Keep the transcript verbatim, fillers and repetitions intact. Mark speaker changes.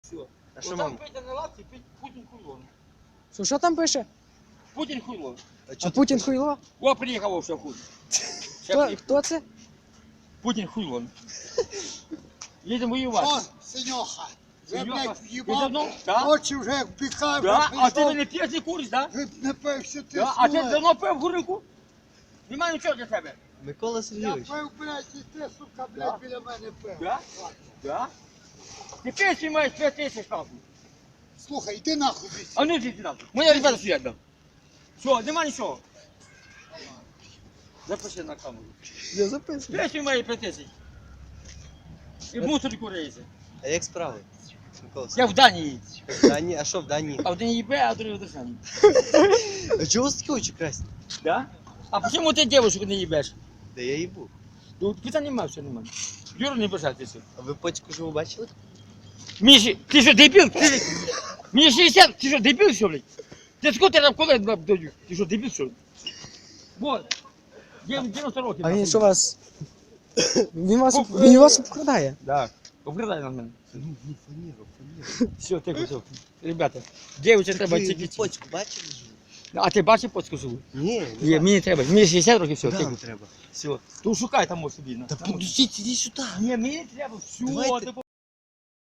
Speaker 1: Все.
Speaker 2: А що
Speaker 1: Отам
Speaker 2: мам?
Speaker 1: Петя на лавці, Петь- Путін хуйло.
Speaker 3: Що, що там пише?
Speaker 1: Путін хуйло.
Speaker 3: А Путін хуйло?
Speaker 1: О, приїхав вовсе хуй. Ще
Speaker 3: Хто,
Speaker 1: приїхав.
Speaker 3: хто це?
Speaker 1: Путін хуйло. Їдемо воювати.
Speaker 4: О, Синьоха, ви,
Speaker 1: Синьоха,
Speaker 4: блядь,
Speaker 1: ти
Speaker 4: в'їбав,
Speaker 1: давно? Так?
Speaker 4: очі вже як піхав,
Speaker 1: Да?
Speaker 4: вже
Speaker 1: А ти
Speaker 4: прийшов.
Speaker 1: мене п'єш не куриш, так?
Speaker 4: Ви не пився, ти
Speaker 1: Да? А ти
Speaker 4: слухай.
Speaker 1: давно пив гурику? Нема нічого для тебе.
Speaker 2: Микола
Speaker 4: Я
Speaker 2: Сергійович.
Speaker 4: пив, блядь, і ти, сука,
Speaker 1: Да?
Speaker 4: блядь, біля мене пив.
Speaker 1: Да? Да? Ти пенсію маєш п'ять тисяч нахуй.
Speaker 4: Слухай, йди нахуй звідси.
Speaker 1: А ну йди нахуй. Моя ребята стоять там. Все, нема нічого. Запиши на камеру.
Speaker 3: Я записую.
Speaker 1: Пенсію має п'ять тисяч. І мусорку рейзи.
Speaker 2: А як справи? Микола
Speaker 1: Я в Данії.
Speaker 2: Сергійович. В Данії? А що в Данії?
Speaker 1: А в Данії Б, а в другій в Державі.
Speaker 2: А чого у вас такі очі красні?
Speaker 1: Да? А чому ти дівчинку не їбеш?
Speaker 2: Де я їбу.
Speaker 1: Ну, питань немає, все немає. Юра, не бажайтеся.
Speaker 2: А ви потіку живу бачили?
Speaker 1: Міші, ти що, дебіл? Ти... Мені шістдесят, ти що, дебіл, що, блядь? Ти скільки там колен даю? Ти що, дебіл, що? Вот. дев'яносто років.
Speaker 3: А він
Speaker 1: нахуй.
Speaker 3: що вас? Він вас,
Speaker 1: Оп,
Speaker 3: він вас обкрадає.
Speaker 1: Да. Обкрадай на мене.
Speaker 2: Ну, ні, фаніру, фаніру.
Speaker 1: Все, тихо, тихо. Ребята, дівчинка треба
Speaker 2: Ви
Speaker 1: тільки...
Speaker 2: потіку бачили живу?
Speaker 1: А ти бачив поцьку живу?
Speaker 2: Ні,
Speaker 1: Ні, мені не треба. Мені шістдесят років, все,
Speaker 2: Да,
Speaker 1: тихо.
Speaker 2: не треба.
Speaker 1: Все. То шукай там ось собі. на.
Speaker 2: Та
Speaker 1: Там ось.
Speaker 2: подождіть, іди сюди.
Speaker 1: Ні, мені не треба. Все,
Speaker 2: Давайте.
Speaker 1: ти